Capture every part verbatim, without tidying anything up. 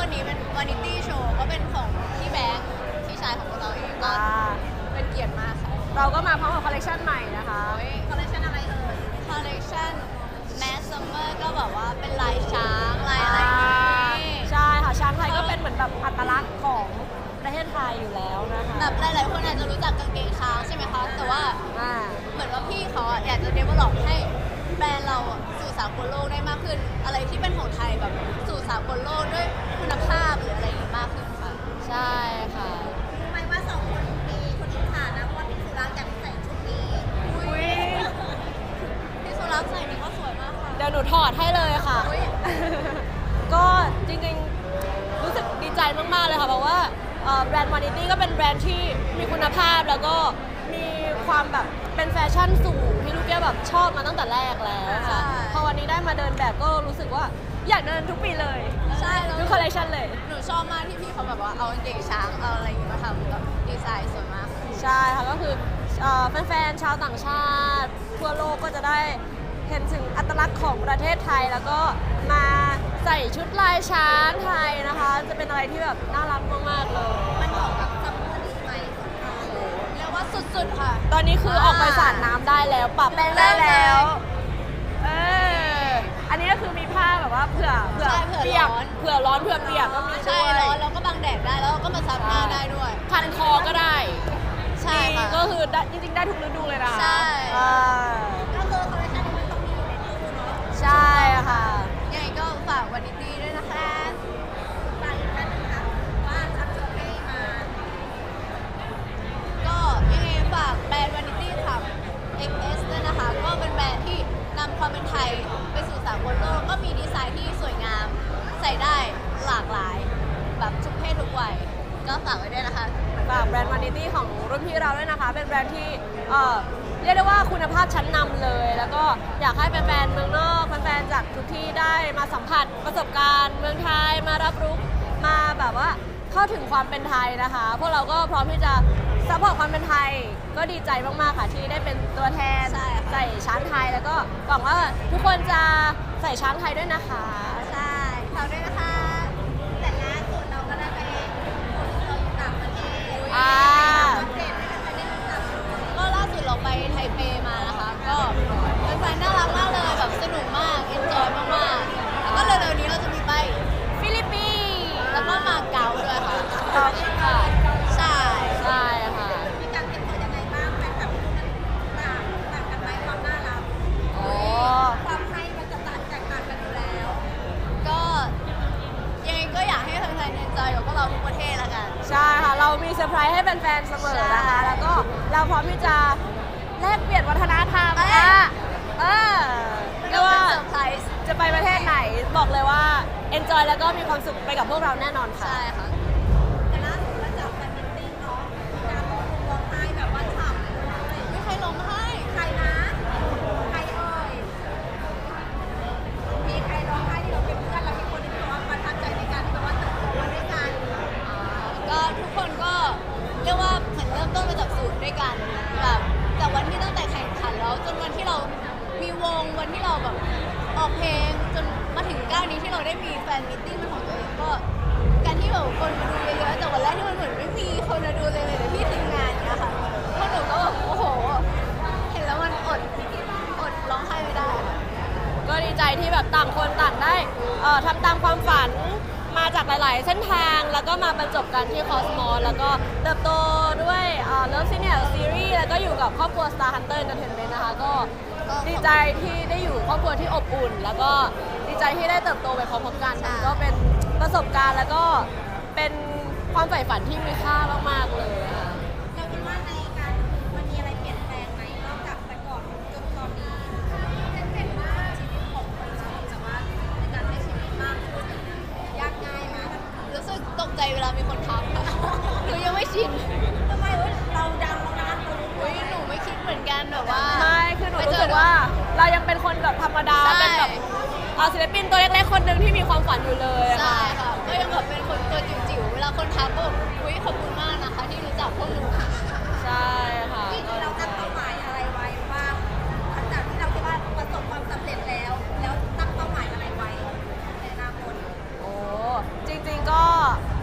นี้เป็นวานิตี้โชว์ก็เป็นของพี่แบงค์พี่ชายของพวกเราเองก็เป็นเกียรติมากค่ะเราก็มาพร้อมกับคอลเลคชันใหม่นะคะคอลเลคชันอะไรเอ่ยคอลเลคชันแมสซัมเมอร์ก็แบบว่าเป็นลายช้างลายอะไรอย่างงี้ใช่ค่ะช้างไทยก็เป็นเหมือนแบบอัตลักษณ์ของประเทศไทยอยู่แล้วนะคะแบบหลายๆคนอาจจะรู้จักกางเกงช้างใช่ไหมคะแต่ว่าเหมือนว่าพี่เขาอยากจะเดเวลลอปให้แบรนด์เราสู่สากลโลกได้มากขึ้นอะไรที่เป็นของไทยแบบสู่สากลโลกด้วยคุณภาพหรืออะไรอย่างนี้มากขึ้นค่ะใช่ค่ะรู้ไหมว่าสองคนมีคนอิจฉานะว่าพี่สุรักษ์อยากใส่ชุดนี้อุ้ยพี่สุรักษ์ใส่นี่ก็สวยมากค่ะเดี๋ยวหนูถอดให้เลยค่ะก็จริงๆรู้สึกดีใจมากๆเลยค่ะเพราะว่าแบรนด์วานิตี้ก็เป็นแบรนด์ที่มีคุณภาพแล้วก็มีความแบบเป็นแฟชั่นสูงที่ลูกแก้วแบบชอบมาตั้งแต่แรกแล้วค่ะพอวันนี้ได้มาเดินแบบก็รู้สึกว่าอยากเดินทุกปีเลยใช่ทุกคอลเลคชันเลยหนูชอบมากที่พี่เขาแบบว่าเอาเด็กช้างเอาอะไรอย่างเงี้ยมาทำแบบดีไซน์สวยมากใช่ค่ะก็คือแฟนๆชาวต่างชาติทั่วโลกก็จะได้เห็นถึงอัตลักษณ์ของประเทศไทยแล้วก็มาใส่ชุดลายช้างไทยนะคะจะเป็นอะไรที่แบบน่ารักมากๆเลยมันเหมาะกับซัมเมอร์นี้ไหมเรียกว่าสุดๆค่ะตอนนี้คือออกไปสาดน้ำได้แล้วปรับแป้งได้แล้วเอออันนี้ก็คือมีผ้าแบบว่าเผื่อเผื่อเปียกเผื่อร้อนเผื่อเปียกก็มีใช่ร้อนแล้วก็บังแดดได้แล้วก็มาซับหน้าได้ด้วยพันคอก็ได้ใช่ค่ะก็คือจริงๆได้ทุกฤดูเลยนะใช่ก็คือคอลเลคชันนี้มันต้องมีอยู่ในตู้เนาะใช่ค่ะยังไงก็ฝากวานิตี้ด้วยนะคะฝากอีกท่านนึงค่ะว่าทักชวนให้มาก็ยังไงฝากแบรนด์วานิตี้ค่ะ เอ็กซ์ เอส ด้วยนะคะก็เป็นแบรนด์ที่นำความเป็นไทยไปสู่สากลโลกก็มีดีไซน์ที่สวยงามใส่ได้หลากหลายแบบทุกเพศทุกวัยก็ฝากไว้ด้วยนะคะฝากแบรนด์วานิตี้ของรุ่นพี่เราด้วยนะคะเป็นแบรนด์ที่เอ่อเรียกได้ว่าคุณภาพชั้นนำเลยแล้วก็อยากให้แฟนๆเมืองนอกแฟนๆจากทุกที่ได้มาสัมผัสประสบการณ์เมืองไทยมารับรู้มาแบบว่าเข้าถึงความเป็นไทยนะคะพวกเราก็พร้อมที่จะซัพพอร์ตความเป็นไทยก็ดีใจมากๆค่ะที่ได้เป็นตัวแทนใส่ช้างไทยแล้วก็หวังว่าทุกคนจะใส่ช้างไทยด้วยนะคะใช่ฝากด้วยนะคะแต่ล่าสุดเราก็ได้ไปเราอยู่ต่างประเทศอ่าก็ล่าสุดเราไปไทเปมานะคะก็เป็นแฟนน่ารักมากเลยแบบสนุกมากเอนจอยมากๆแล้วก็เร็วๆนี้เราจะมีไปฟิลิปปินส์แล้วก็มาเก๊าด้วยค่ะค่ะใช่ใช่ค่ะมีการเตรียมตัวยังไงบ้างแฟนคลับคู่นั้นต่างต่างกันไหมความน่ารักโอ้ความให้มันจะต่างแตกต่างกันอยู่แล้วก็ยังไงก็อยากให้แฟนๆเอนจอยกับพวกเราทุกประเทศละกันใช่ค่ะเรามีเซอร์ไพรส์ให้แฟนๆเสมอนะคะแล้วก็เราพร้อมที่จะแลกเปลี่ยนวัฒนธรรมนะเออไม่ว่าเซอร์ไพรส์จะไปประเทศไหนบอกเลยว่า enjoy แล้วก็มีความสุขไปกับพวกเราแน่นอนค่ะใช่ค่ะแต่ล่าสุดเราจับแฟนมิตติ้งเนาะการร้องร้องไห้แบบว่าฉ่ำเลยไม่ใครร้องไห้ใครนะใครเอ่ยมีใครร้องไห้ที่เราเป็นเพื่อนเรามีคนที่แบบว่าประทับใจในการที่แบบว่าเติบโตมาด้วยกันก็ทุกคนก็เรียกว่าเหมือนเริ่มต้นมาจากศูนย์ด้วยกันแบบจากวันที่ตั้งแต่แข่งขันแล้วจนวันที่เรามีวงวันที่เราแบบออกเพลงจนมาถึงก้าวนี้ที่เราได้มีแฟนมิตติ้งเป็นของตัวเองก็การที่แบบคนมาดูเยอะๆแต่วันแรกที่มันเหมือนไม่มีคนมาดูเลยเลยแต่พี่ทีมงานเนี้ยค่ะพวกหนูก็แบบโอ้โหเห็นแล้วมันอดอดร้องไห้ไม่ได้ก็ดีใจที่แบบต่างคนต่างได้เอ่อทำตามความฝันมาจากหลายๆเส้นทางแล้วก็มาบรรจบกันที่คอสมอสแล้วก็เติบโตด้วยเลิฟซีเนียร์ซีรีส์แล้วก็อยู่กับครอบครัว Star Hunter Entertainment นะคะก็ดีใจที่ได้อยู่ครอบครัวที่อบอุ่นแล้วก็ดีใจที่ได้เติบโตไปพร้อมๆกันมันก็เป็นประสบการณ์แล้วก็เป็นความใฝ่ฝันที่มีค่ามากๆเลยค่ะเราคิดว่าในการมันมีอะไรเปลี่ยนแปลงไหมนอกจากแต่ก่อนจนตอนนี้เห็นว่าชีวิตของคนชอบแต่ว่าในการใช้ชีวิตมากขึ้นยากง่ายไหมรู้สึกตกใจเวลามีคนทักหนูยังไม่ชินทำไมเราดังแล้วนะอุ้ยหนูไม่คิดเหมือนกันแบบว่าไม่คือหนูรู้สึกว่าเรายังเป็นคนแบบธรรมดาเป็นแบบศิลปินตัวเล็กๆคนหนึ่งที่มีความฝันอยู่เลยใช่ค่ะก็ยังแบบเป็นคนตัวจิ๋วๆเวลาคนทักก็อุ้ยขอบคุณมากนะคะที่รู้จักพวกหนูใช่ค่ะที่เราตั้งเป้าหมายอะไรไว้ว่าหลังจากที่เราคิดว่าประสบความสำเร็จแล้วแล้วตั้งเป้าหมายอะไรไว้ในอนาคตโอ้จริงๆก็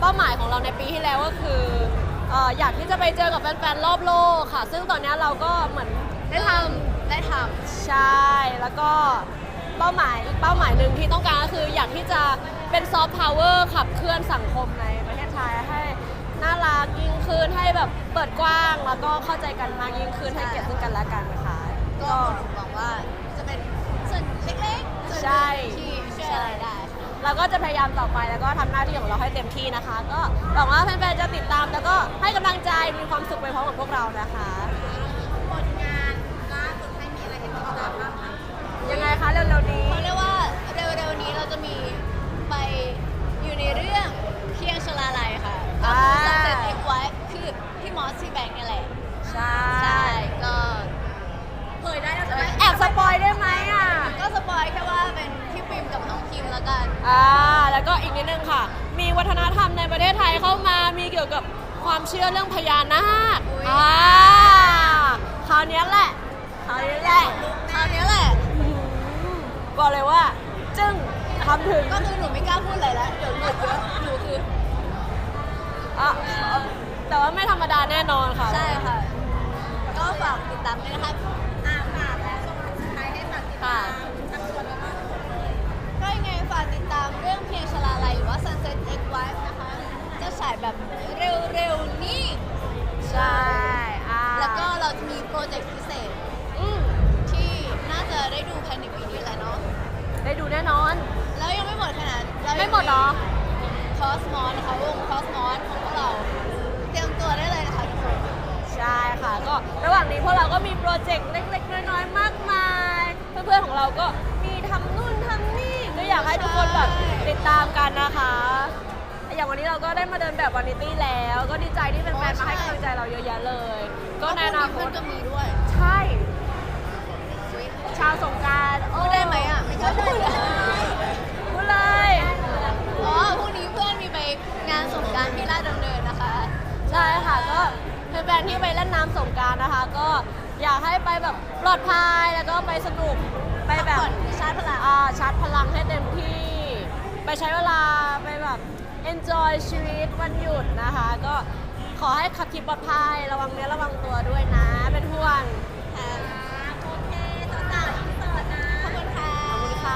ป้าหมายของเราในปีที่แล้วก็คือเอ่ออยากที่จะไปเจอกับแฟนๆรอบโลกค่ะ ซึ่งตอนนี้เราก็เหมือนได้ทำได้ทใช่ แล้วก็เป้าหมายอีกเป้าหมายหนึ่งที่ต้องการก็คืออยากที่จะเป็นซอฟต์พาวเวอร์ขับเคลื่อนสังคมในประเทศไทยให้น่ารักยิ่งขึ้นให้แบบเปิดกว้างแล้วก็เข้าใจกันมากยิ่งขึ้นให้เกียรติซึ่งกันและกันนะคะำก็หวังว่าจะเป็นส่วนเล็กๆส่วนหนึ่งใช่ที่ช่วยอะไรได้ค่ะเราก็จะพยายามต่อไปแล้วก็ทำหน้าที่ของเราให้เต็มที่นะคะ ก็หวังว่าแฟนๆจะติดตามแล้วก็ให้กำลังใจมีความสุขไปพร้อมกับพวกเรานะคะผลงานล่าสุดให้มีอะไรให้ติดตามบ้างคะยังไงคะเร็วๆนี้เขาเรียกว่าเร็วๆนี้เราจะมีไปอยู่ในเรื่องเพียงชลาลัยค่ะก็คือสังเกตเอกไว้คือพี่มอสที่แบงค์นี่แหละใช่ใช่ก็เผยได้แล้วใช่ไหมแอบสปอยได้ไหมอ่ะก็สปอยแค่ว่าเป็นพี่ปิมกับน้องคิมแล้วกันอ่าแล้วก็อีกนิดนึงค่ะ มีวัฒนธรรมในประเทศไทยเข้ามา มีเกี่ยวกับความเชื่อเรื่องพญานาคอุ๊ยอ่าคราวเนี้ยแหละคราวนี้แหละคราวนี้แหละอืมบอกเลยว่า จึ้งทำถึงก็คือหนูไม่กล้าพูดอะไรแล้วเดี๋ยวหลุดเยอะหนูคืออ่ะแต่ว่าไม่ธรรมดาแน่นอนค่ะใช่ค่ะ ก็ฝากติดตามด้วยนะคะอ่าฝากแล้วช่วงสุดท้ายให้ฝากติดตามทั้งส่วนแล้วก็ก็ยังไงฝากติดตามเรื่องเพียงชลาลัยหรือว่า Sunset X Wife นะคะ จะฉายแบบเร็วๆนี้ใช่อ่าแล้วก็เราจะมีโปรเจกต์พิเศษอืมที่น่าจะได้ดูภายในปีนี้แหละเนาะได้ดูแน่นอนแล้วยังไม่หมดขนาดเรายังไม่หมดเหรอคอสมอสนะคะวงคอสมอสของพวกเรา เตรียมตัวได้เลยนะคะทุกคนใช่ค่ะ ก็ระหว่างนี้พวกเราก็มีโปรเจกต์เล็กๆ น้อยๆ มากมาย เพื่อนๆ ของเราก็มีทำนู่นทำนี่ ก็อยากให้ทุกคนแบบติดตามกันนะคะ อย่างวันนี้เราก็ได้มาเดินแบบวานิตี้แล้ว ก็ดีใจที่แฟนๆ มาให้กำลังใจเราเยอะแยะเลย ก็ในอนาคเพื่อตนก็มีด้วยใช่ ชาวสงกรารพูดได้ไหมอ่ะ ไม่กล้าพูดเลยพูดเลยอ๋อพรุ่งนี้เพื่อนมีไปงานสงกรารที่ลาดดำเนินนะคะใช่ค่ะ ก็แฟนๆ ที่ไปเล่นน้ำสงกรารนะคะ ก็อยากให้ไปแบบปลอดภัยแล้วก็ไปสนุก ไปแบบพักผ่อนชาร์จพลังอ่าชาร์จพลังให้เต็มที่ ไปใช้เวลาไปแบบ enjoy ชีวิตวันหยุดนะคะ ก็ขอให้ขับขี่ปลอดภัยระวังเนื้อระวังตัวด้วยนะ เป็นห่วงค่ะโอเคสาวๆอินเสิร์ตนะ ขอบคุณค่ะขอบคุณค่ะ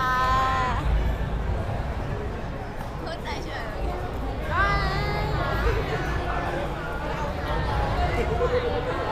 พูดใจเฉยบาย